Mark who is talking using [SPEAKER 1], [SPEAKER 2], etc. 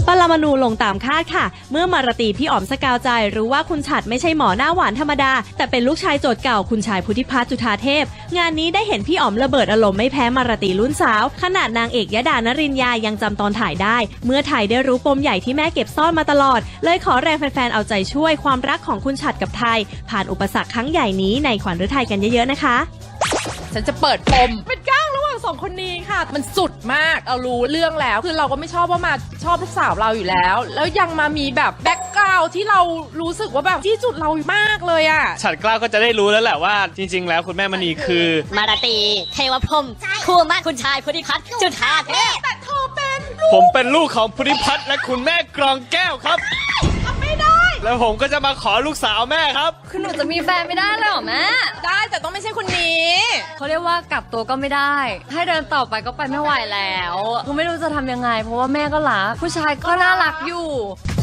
[SPEAKER 1] ปรมาณูลงตามคาดค่ะเมื่อมารตีพี่อ๋อมสกาวใจรู้ว่าคุณฉัตรไม่ใช่หมอหน้าหวานธรรมดาแต่เป็นลูกชายโจทย์เก่าคุณชายพุทธิพัฒน์จุฑาเทพงานนี้ได้เห็นพี่อ๋อมระเบิดอารมณ์ไม่แพ้มารตีรุ่นสาวขนาดนางเอกยดานรินยายังจำตอนถ่ายได้เมื่อถ่ายได้รู้ปมใหญ่ที่แม่เก็บซ่อนมาตลอดเลยขอแรงแฟนๆเอาใจช่วยความรักของคุณฉัตรกับไทยผ่านอุปสรรคครั้งใหญ่นี้ในขวัญฤทัยกันเยอะๆนะคะ
[SPEAKER 2] ฉันจะเปิดปมเป็นก้างระหว่างสองคนนี้ค่ะมันสุดมากเรารู้เรื่องแล้วคือเราก็ไม่ชอบว่ามาชอบลูกสาวเราอยู่แล้วแล้วยังมามีแบบแบ็คกราวด์ที่เรารู้สึกว่าแบบที่จุดเรามากเลยอ่ะ
[SPEAKER 3] ฉัตรกล้าก็จะได้รู้แล้วแหละว่าจริงๆแล้วคุณแม่มณีคือ
[SPEAKER 4] มารตีเทวพรหมคู่มั่นคุณชายพุทธิพัฒน์จุฑาเทพ
[SPEAKER 2] แต่เธอเป็น
[SPEAKER 3] ผมเป็นลูกของพุทธิพัฒน์และคุณแม่กรองแก้วครับ
[SPEAKER 2] ไม่ได้
[SPEAKER 3] แล้วผมก็จะมาขอลูกสาวแม่ครับ
[SPEAKER 5] คือหนูจะมีแฟนไม่ได้เลยหรอแม่
[SPEAKER 2] ได้แต่ต้องไม่ใช่คนนี้
[SPEAKER 5] เขาเรียกว่ากลับตัวก็ไม่ได้ให้เดินต่อไปก็ไปไม่ไหวแล้วคือไม่รู้จะทำยังไงเพราะว่าแม่ก็รักผู้ชายก็น่ารักอยู่